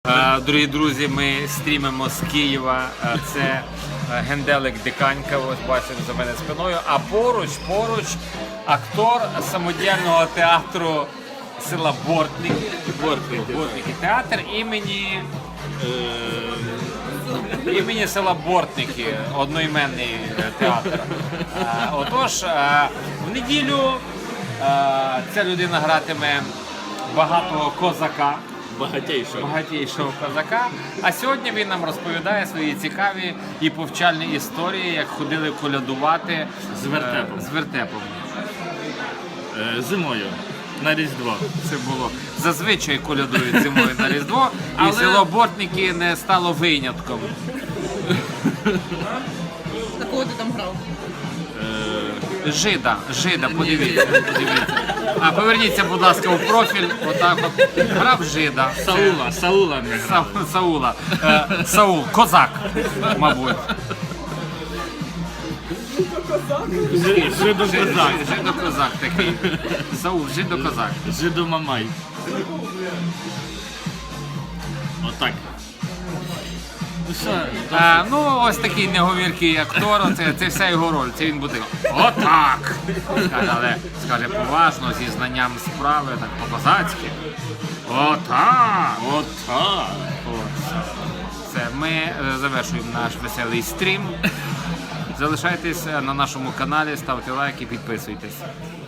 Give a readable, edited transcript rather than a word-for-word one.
Дорогі друзі, ми стрімимо з Києва. Це Генделик Диканька, ось бачимо за мене спиною. А поруч актор самодіяльного театру села Бортники. Бортники. Театр імені села Бортники, одноіменний театр. Отож, в неділю ця людина гратиме багатого козака. Багатійшого козака. А сьогодні він нам розповідає свої цікаві і повчальні історії, як ходили колядувати з вертепом. Зимою на Різдво. Це було. Зазвичай колядують зимою на Різдво, і село Бортники не стало винятком. На кого ти там грав? Жида, подивіться. А поверніться, будь ласка, у профіль. Отак от. Грав Жида. Саула не грав. Саул, козак, мабуть. Жидокозак такий. Саул, жидокозак. Жидомамай. Отак. Ну що? Ну, ось такий неговіркий актор, це вся його роль, це він буде отак! Але скаже поважно, зі знанням справи, так по-козацьки. Отак! Отак. Все, ми завершуємо наш веселий стрім. Залишайтесь на нашому каналі, ставте лайки, підписуйтесь.